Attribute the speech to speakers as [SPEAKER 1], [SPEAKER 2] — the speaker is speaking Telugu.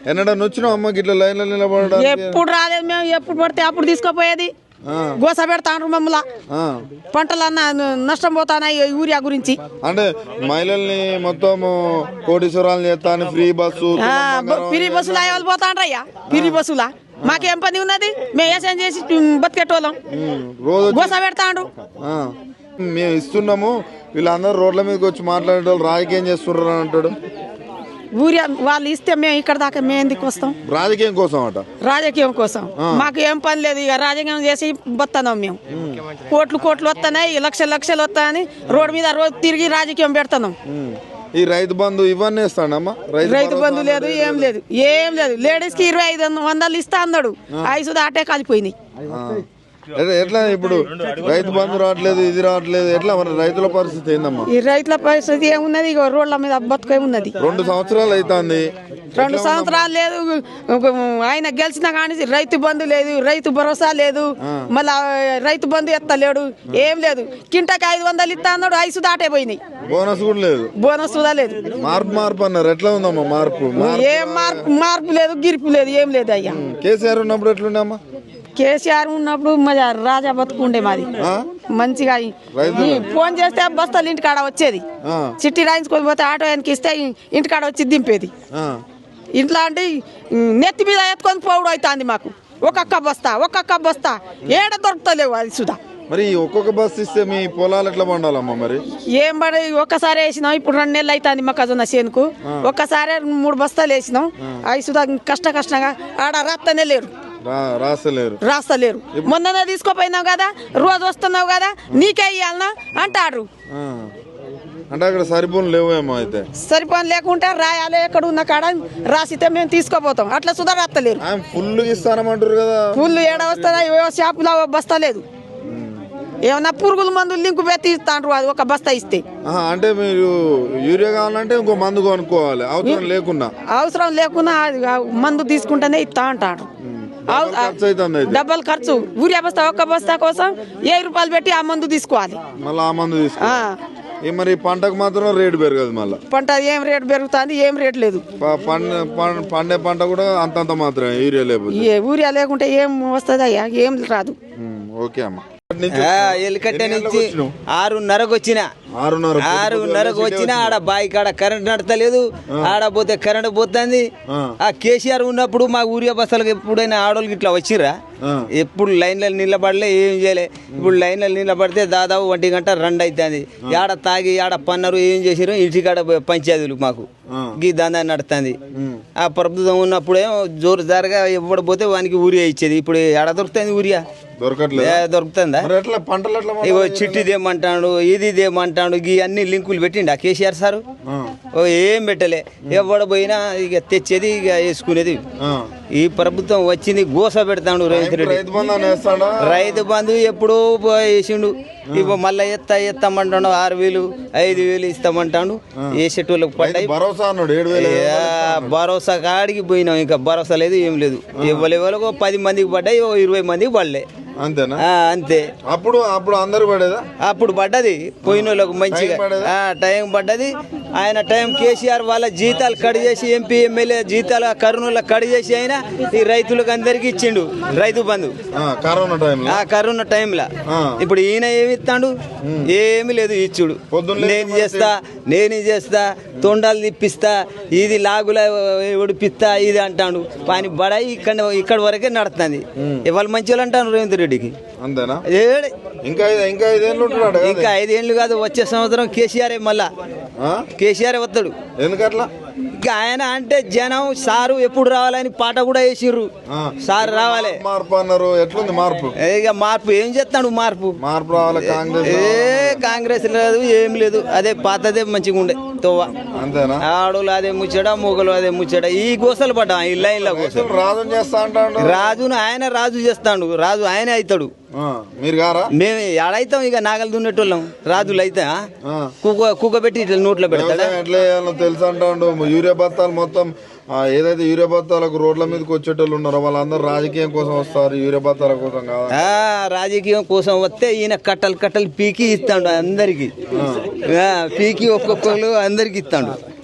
[SPEAKER 1] ఎన్నడన్నా వచ్చినావు అమ్మకి ఇట్లా లైన్లో నిలబడడానికి?
[SPEAKER 2] ఎప్పుడు రాలేదు మేము, ఎప్పుడు పడితే అప్పుడు తీసుకుపోయేది. గోస పెడతాండ్రు మమ్మల్ని, పంటలన్నా నష్టం పోతానాయి యూరియా గురించి.
[SPEAKER 1] అంటే మహిళల్ని మొత్తం కోటీశ్వరాలు చేస్తాను, ఫ్రీ బస్సు
[SPEAKER 2] బస్సులు అయ్యే వాళ్ళు పోతాండ్రయ్యా, ఫ్రీ బస్సులా. మాకేం పని ఉన్నది, మేము వ్యవసాయం చేసి బతికేటోళ్ళం. గోస పెడతాండ్రు.
[SPEAKER 1] మేము ఇస్తున్నాము, వీళ్ళందరూ రోడ్ల మీదకి వచ్చి మాట్లాడేటోళ్ళు రాజకీయం చేస్తున్నారు అని అంటాడు.
[SPEAKER 2] ఊరియా వాళ్ళు ఇస్తే మేము ఇక్కడ దాకా మేము ఎందుకు వస్తాం?
[SPEAKER 1] రాజకీయం కోసం అట.
[SPEAKER 2] రాజకీయం కోసం మాకు ఏం పని లేదు. ఇక రాజకీయం చేసి బతున్నాం మేము. కోట్లు వస్తున్నాయి, లక్షలు వస్తాయని రోడ్డు మీద రోజు తిరిగి రాజకీయం పెడుతున్నాం.
[SPEAKER 1] ఈ రైతు బంధు ఇవన్నీ ఇస్తాడమ్మా?
[SPEAKER 2] రైతు బంధు లేదు, ఏం లేదు. లేడీస్ కి 2500 ఇస్తా అన్నాడు, ఐసు దాటే కాలిపోయినాయి.
[SPEAKER 1] ఎట్లా ఇప్పుడు రైతు బంధు రావట్లేదు, ఇది రావట్లేదు, ఎట్లా మన రైతుల పరిస్థితి ఏందమ్మా?
[SPEAKER 2] ఈ రైతుల పరిస్థితి ఏమున్నది, ఇక రోడ్ల మీద బతుకే ఉన్నది.
[SPEAKER 1] 2 సంవత్సరాలు అవుతుంది.
[SPEAKER 2] 2 సంవత్సరాలు లేదు. ఆయన గెలిచిన కానీ రైతు బంధు లేదు, రైతు భరోసా లేదు, మళ్ళా రైతు బంధు ఎత్తలేడు, ఏం లేదు. కింటకి 500 ఇస్తా అన్నాడు, ఐసు దాటే పోయినాయి.
[SPEAKER 1] బోనస్ కూడా లేదు,
[SPEAKER 2] బోనస్ కూడా లేదు.
[SPEAKER 1] మార్పు అన్నారు. ఎట్లా ఉందమ్మా మార్పు?
[SPEAKER 2] ఏం మార్పు లేదు, గిరిపు లేదు, ఏం లేదు అయ్యా.
[SPEAKER 1] కేసీఆర్ ఉన్నప్పుడు ఎట్లుండమ్మా?
[SPEAKER 2] కేసీఆర్ ఉన్నప్పుడు రాజా బతుకుండే మాది మంచిగా. ఫోన్ చేస్తే బస్తాలు ఇంటికాడ వచ్చేది, చిట్టి రాయించుకొని పోతే ఆటో ఆయనకి ఇస్తే ఇంటికాడ వచ్చి దింపేది. ఇంట్లో అంటే నెత్తి మీద ఎత్తుకొని పోవడం అవుతుంది మాకు. ఒక్కొక్క బస్తా ఏడ దొరుకుతలేవు అది సుధా.
[SPEAKER 1] మరి ఒక్కొక్క బస్ ఇస్తే మీ పొలాలు ఎట్లా పండాలమ్మా? మరి
[SPEAKER 2] ఏం పడి ఒక్కసారి వేసినాం, ఇప్పుడు 2 నెలలు అవుతుంది మొక్కజొన్న చేనుకు. ఒక్కసారి 3 బస్తాలు వేసినాం. అవి సుధా కష్టంగా ఆడ రాస్తలేరు. మొన్ననే తీసుకోపోయినావు కదా, రోజు వస్తున్నావు కదా, నీకే ఇయ్యాలనా అంటారు.
[SPEAKER 1] అంటే అక్కడ సరిపోను లేవేమో. అయితే
[SPEAKER 2] సరిపోను లేకుంటే రాయాలి, ఎక్కడ ఉన్న కాడ రాసితే మేము తీసుకోపోతాం. అట్లా సుధా రాస్తలేరు.
[SPEAKER 1] ఫుల్ ఇస్తానమంటారు కదా.
[SPEAKER 2] ఫుల్ ఏడ వస్తుందా? షాపులో బస్తా లేదు. ఏమన్నా పురుగుల మందులు లింకు పెట్టి ఇస్తాండ్రు, అది ఒక బస్తా ఇస్తే.
[SPEAKER 1] అంటే మీరు యూరియా కావాలంటే ఇంకో మందు కొనుక్కోవాలి, అవసరం లేకున్నా
[SPEAKER 2] మందు తీసుకుంటేనే ఇస్తా అంటాడు. డబ్బులు ఖర్చు. యూరియా బస్తా ఒక్క బస్తా కోసం 1000 రూపాయలు పెట్టి ఆ మందు తీసుకోవాలి.
[SPEAKER 1] మళ్ళీ ఆ మందు మరి పంటకు మాత్రం రేటు పెరగదు. మళ్ళీ పంట
[SPEAKER 2] ఏం రేటు పెరుగుతుంది? ఏం రేటు లేదు.
[SPEAKER 1] పండే పంట కూడా అంతంత మాత్రమే,
[SPEAKER 2] యూరియా లేకుంటే ఏం వస్తుంది అయ్యా? ఏం రాదు.
[SPEAKER 1] ఓకే అమ్మా.
[SPEAKER 3] ఎలికట్ట నుంచి 6:30కు వచ్చిన. 6:30కు వచ్చిన. ఆడ బాయి కాడ కరెంట్ నడతలేదు, ఆడ పోతే కరెంట్ పోతుంది. ఆ కేసీఆర్ ఉన్నప్పుడు మా ఊరియా బస్సులకు ఎప్పుడైనా ఆడోళ్ళకి ఇట్లా వచ్చిర్రా? ఎప్పుడు లైన్లలో నిలబడలే, ఏం చేయలే. ఇప్పుడు లైన్లలో నిలబడితే దాదాపు 1 గంట 2 అవుతుంది. ఆడ తాగి ఆడ పన్నారు, ఏం చేసారు? ఇంటికాడ పంచాయతీలు మాకు గీ దందా నడుతుంది. ఆ ప్రభుత్వం ఉన్నప్పుడేమో జోరు జారుగా ఎప్పుడు పోతే వానికి ఊరియా ఇచ్చేది. ఇప్పుడు ఆడ దొరుకుతుంది ఊరియా? దొరుకుతుందా? ఇగో చిట్టి దేమంటాడు, ఇది దేమంటాడు, గీ అన్ని లింకులు పెట్టిండు ఆ కేసీఆర్ సారు. ఏం పెట్టలే. ఎవడ పోయినా ఇక తెచ్చేది, ఇక వేసుకునేది. ఈ ప్రభుత్వం వచ్చింది, గోస పెడతాడు రేవంత్ రెడ్డి. రైతు బంధు ఎప్పుడో వేసిండు. ఇప్పుడు మళ్ళీ ఎత్తామంటాడు. 6000 5000 ఇస్తామంటాడు. వేసేటోళ్ళకి పడ్డాయి. భరోసా కాడికి పోయినాం, ఇంకా భరోసా లేదు, ఏం లేదు. ఎవరెవరికో 10 మందికి పడ్డాయి, 20 మందికి పడలే.
[SPEAKER 1] అంతేనా?
[SPEAKER 3] అంతే.
[SPEAKER 1] అప్పుడు అందరు పడేదా?
[SPEAKER 3] అప్పుడు పడ్డది, పోయిన వాళ్ళకు మంచిగా టైం పడ్డది. ఆయన టైం కేసీఆర్ వాళ్ళ జీతాలు కట్ చేసి, ఎంపీ ఎమ్మెల్యే జీతాలు కరోనాలో కట్ చేసి ఆయన ఈ రైతులకు అందరికి ఇచ్చిండు రైతు బంధు కరోనా టైంలో. ఇప్పుడు ఈయన ఏమి ఇస్తాడు? ఏమి లేదు ఇచ్చుడు. నేను చేస్తా తొండాలు తిప్పిస్తా, ఇది లాగుల ఉడిపిస్తా, ఇది అంటాడు. పని బడాయి ఇక్కడ వరకే నడుస్తుంది. ఇవాళ మంచి వాళ్ళు అంటాను రేవంత్ రెడ్డికి. ఇంకా 5 ఏళ్ళు కాదు, వచ్చే సంవత్సరం కేసీఆర్ మళ్ళా కేసీఆర్ వస్తాడు.
[SPEAKER 1] ఎందుకట్లా?
[SPEAKER 3] ఇంకా ఆయన అంటే జనం సారు ఎప్పుడు రావాలని పాట కూడా వేసిర్రు. సార్ రావాలి.
[SPEAKER 1] మార్పు అన్నారు. ఎట్లుంది మార్పు?
[SPEAKER 3] ఇక మార్పు ఏం చేస్తాడు? మార్పు
[SPEAKER 1] రావాలి.
[SPEAKER 3] కాంగ్రెస్ లేదు, ఏం లేదు. అదే పాతదే మంచిగా ఉండే తోవ.
[SPEAKER 1] అంతేనా?
[SPEAKER 3] ఆడోళ్ళు అదే ముచ్చట, మొగలు అదే ముచ్చట. ఈ గోసలు పడ్డా ఈ లైన్ల గోసలు.
[SPEAKER 1] రాజు చేస్తా అంటాడు.
[SPEAKER 3] రాజును ఆయన రాజు చేస్తాడు. రాజు ఆయన అవుతాడు.
[SPEAKER 1] మీరు గారా?
[SPEAKER 3] మేము ఎడైతాం, ఇక నాగలు దున్నేటోళ్ళం. రాజులు అయితే కుక్క పెట్టి ఇట్లా నోట్లో పెడతాడు.
[SPEAKER 1] ఎట్లా తెలుసు అంటాడు. యూరియా బత్తాలు మొత్తం ఏదైతే యూరియా బత్తాలకు రోడ్ల మీదకి వచ్చేటోళ్ళు ఉన్నారో వాళ్ళందరూ రాజకీయం కోసం వస్తారు, యూరియా బత్తాల కోసం కాదు.
[SPEAKER 3] రాజకీయం కోసం వస్తే ఈయన కట్టలు పీకి ఇస్తాడు అందరికి. పీకి ఒక్కొక్కరు అందరికి ఇస్తాడు.